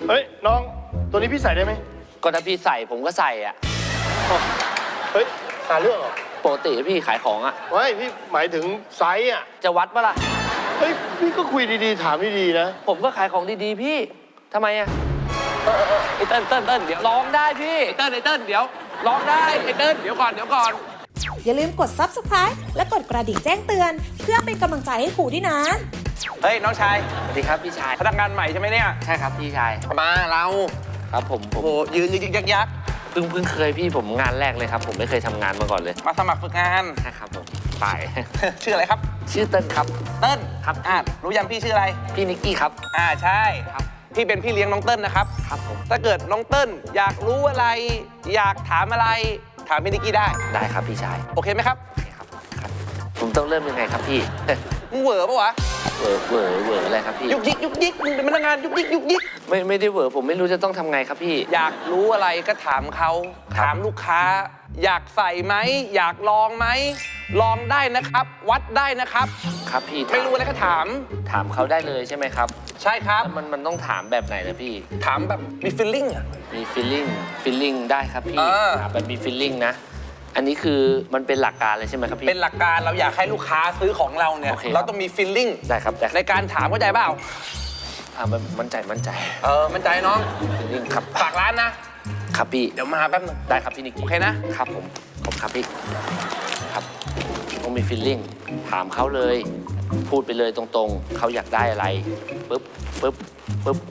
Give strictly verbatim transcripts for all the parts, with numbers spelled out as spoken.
เฮ้ยน้องตัวนี้พี่ใส่ได้ไหมก็ถ้าพี่ใส่ผมก็ใส่อ่ะเฮ้ยหาเรื่องเหรอปกติพี่ขายของอ่ะไม่พี่หมายถึงไซส์อ่ะจะวัดปะล่ะเฮ้ยพี่ก็คุยดีๆถามดีๆนะผมก็ขายของดีๆพี่ทำไมอ่ะไอ้เติ้ลเติ้ลเติ้ลเดี๋ยวลองได้พี่ไอ้เติ้ลไอ้เติ้ลเดี๋ยวลองได้ไอ้เติ้ลเดี๋ยวก่อนเดี๋ยวก่อนอย่าลืมกด ซับสไครบ์ และกดกระดิ่งแจ้งเตือนเพื่อเป็นกำลังใจให้ครูด้วยนะเฮ้ยน้องชายสวัสดีครับพี่ชายพนักงานใหม่ใช่ไหมเนี่ยใช่ครับพี่ชายมาเราครับผมโอ้โหยืนยึกยักยักเพิ่งเพิ่งเคยพี่ผมงานแรกเลยครับผมไม่เคยทำงานมาก่อนเลยมาสมัครฝึกงานใช่ครับผมไปชื่ออะไรครับชื่อเติ้ลครับเติ้ลครับอ่ารู้ยังพี่ชื่ออะไรพี่นิกกี้ครับอ่าใช่ครับพี่เป็นพี่เลี้ยงน้องเติ้ลนะครับครับผมถ้าเกิดน้องเติ้ลอยากรู้อะไรอยากถามอะไรถามพี่นิกกี้ได้ได้ครับพี่ชายโอเคไหมครับโอเคครับครับผมต้องเริ่มยังไงครับพี่มึงเหวอปะวะเหวอเหวอเหวออะไรครับพี่ยุกยิกยุกยิกมึงเป็นพนักงานยุกยิกยุกยิกไม่ไม่ได้เหวอผมไม่รู้จะต้องทำไงครับพี่อยากรู้อะไรก็ถามเขาถามลูกค้าอยากใส่ไหมอยากลองไหมลองได้นะครับวัดได้นะครับครับพี่ไม่รู้อะไรก็ถามถามเขาได้เลยใช่ไหมครับใช่ครับมันมันต้องถามแบบไหนนะพี่ถามแบบมี feeling อ่ะมี feeling feeling ได้ครับพี่ถามแบบมี feeling นะอันนี้คือมันเป็นหลักการเลยใช่ไหมครับพี่เป็นหลักการเราอยากให้ลูกค้าซื้อของเราเนี่ยเราต้องมี feeling ได้ครับในการถามเข้าใจเปล่าถามแบบมั่นใจมั่นใจเออมั่นใจน้อง feeling ครับฝากร้านนะครับพี่เดี๋ยวมาแป๊บนึงได้ครับพี่นิกโอเคนะครับผมผมครับพี่ครับต้องมี feeling ถามเขาเลยพูดไปเลยตรงๆเขาอยากได้อะไรปึ๊บปึ๊บปึ๊บ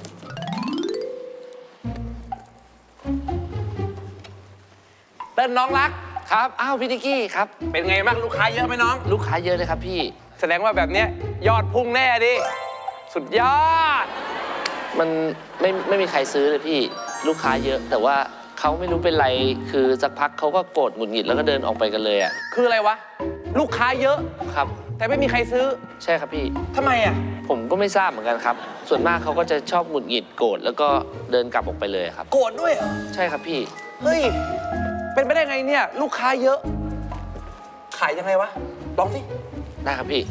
เติ้ลน้องรักครับอ้าวพี่นิกกี้ครับเป็นไงบ้างลูกค้าเยอะไหมน้องลูกค้าเยอะเลยครับพี่แสดงว่าแบบเนี้ยยอดพุ่งแน่ดิสุดยอดมันไม่ไม่มีใครซื้อเลยพี่ลูกค้าเยอะแต่ว่าเขาไม่รู้เป็นไรคือสักพักเขาก็โกรธหงุดหงิดแล้วก็เดินออกไปกันเลยอ่ะคืออะไรวะลูกค้าเยอะครับแต่ไม่มีใครซื้อใช่ครับพี่ทำไมอ่ะผมก็ไม่ทราบเหมือนกันครับส่วนมากเขาก็จะชอบหงุดหงิดโกรธแล้วก็เดินกลับออกไปเลยครับโกรธด้วยเหรอใช่ครับพี่เฮ้ยเป็นไปได้ไงเนี่ยลูกค้าเยอะขายยังไงวะลองสิได้ครับพี่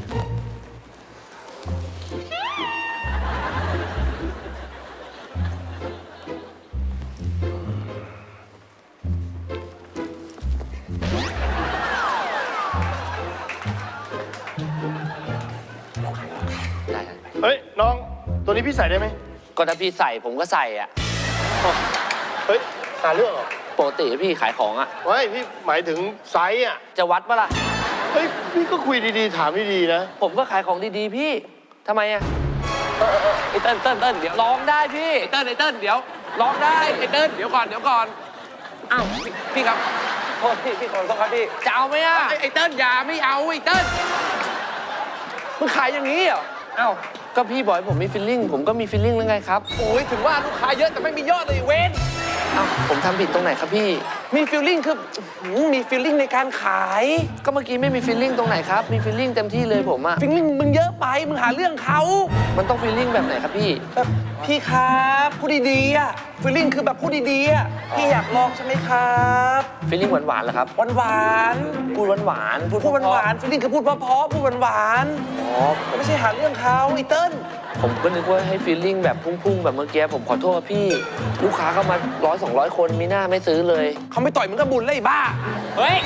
ได้ครับเฮ้ยน้องตัวนี้พี่ใส่ได้ไหมก็ถ้าพี่ใส่ผมก็ใส่อ่ะเฮ้ยหาเรื่องเหรอปกติพี่ขายของอ่ะไม่พี่หมายถึงไซส์อ่ะจะวัดปะล่ะเฮ้ยพี่ก็คุยดีๆถามดีๆนะผมก็ขายของดีๆพี่ทำไมอ่ะไอ้เติ้ลเติ้ลเติ้ลเดี๋ยวลองได้พี่ไอ้เติ้ลไอ้เติ้ลเดี๋ยวลองได้ไอ้เติ้ลเดี๋ยวก่อนเดี๋ยวก่อนอ้าวพี่ครับโทษพี่พี่ขอโทษครับพี่จะเอาไหมอ่ะไอ้เติ้ลอย่าไม่เอาไอ้เติ้ลมึงขายอย่างนี้เหรออ้าวก็พี่บอกผมมีฟีลลิ่งผมก็มีฟีลลิ่งแล้วไงครับโอ้ยถึงว่าลูกค้าเยอะแต่ไม่มียอดเลยเว้นอ้าวผมทำผิดตรงไหนครับพี่มีฟีลลิ่งคือมีฟีลลิ่งในการขายก็เมื่อกี้ไม่มีฟีลลิ่งตรงไหนครับมีฟีลลิ่งเต็มที่เลยผมอะฟีลลิ่งมึงเยอะไปมึงหาเรื่องเขามันต้องฟีลลิ่งแบบไหนครับพี่แบบพี่ครับพูดดีๆอะฟีลลิ่งคือแบบพูดดีๆอะพี่อยากลองใช่ไหมครับฟีลลิ่งหวานๆเหรอครับหวานๆพูดหวานๆพูดหวานๆฟีลลิ่งคือพูดเพราะๆพูดหวานๆอ๋อไม่ใช่หาเรื่องเขาไอ้เติ้ลผมก็นึกว่าให้ฟีลลิ่งแบบพุ่งๆแบบเมื่อกี้ผมขอโทษพี่ลูกค้าเข้ามาร้อยสองร้อยคนมีหน้าไม่ซื้อเลยเขาไม่ต่อยมึงก็บุญเลยบ้าเฮ้ย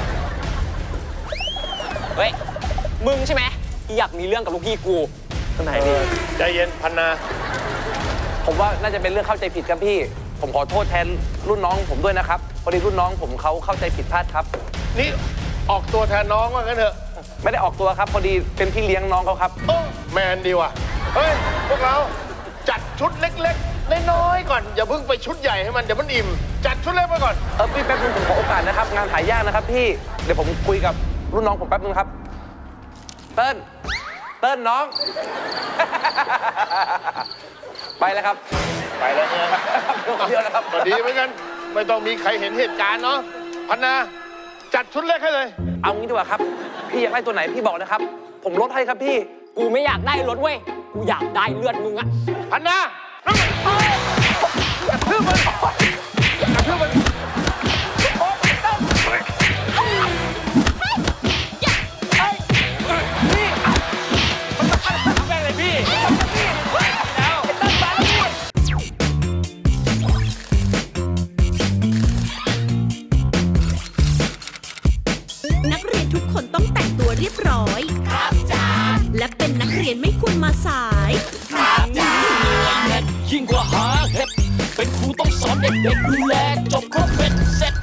เฮ้ยมึงใช่ไหมที่อยากมีเรื่องกับลูกพี่กูตรงไหนดีใจเย็นพันนาผมว่าน่าจะเป็นเรื่องเข้าใจผิดครับพี่ผมขอโทษแทนรุ่นน้องผมด้วยนะครับพอดีรุ่นน้องผมเขาเข้าใจผิดพลาดครับนี่ออกตัวแทนน้องว่างั้นเถอะไม่ได้ออกตัวครับพอดีเป็นพี่เลี้ยงน้องเขาครับโอ้แมนดีว่ะเฮ้ยพวกเราจัดชุดเล็กๆน้อยๆก่อนอย่าเพิ่งไปชุดใหญ่ให้มันเดี๋ยวมันอิ่มจัดชุดเล็กไปก่อนเออพี่แป๊บนึงผมขอโอกาสนะครับงานหายากนะครับพี่เดี๋ยวผมคุยกับรุ่นน้องผมแป๊บนึงครับเติ้ลเติ้ลน้องไปแล้วครับไปแล้วเนี่ยเดียวแล้วครับดีเหมือนกันไม่ต้องมีใครเห็นเหตุการณ์เนาะพันนาจัดชุดเล็กให้เลยเอางี้ดีกว่าครับพี่อยากได้ตัวไหนพี่บอกนะครับผมลดให้ครับพี่กูไม่อยากได้รถเว้ยกูอยากได้เลือดมึงอะพันนากระทืบมันกระทืบมันเรียนไม่ควรมาสายยิ่งกว่าหาเห็ดเป็นครูต้องสอนเด็กๆดูแลจบครบเป็นเสร็จ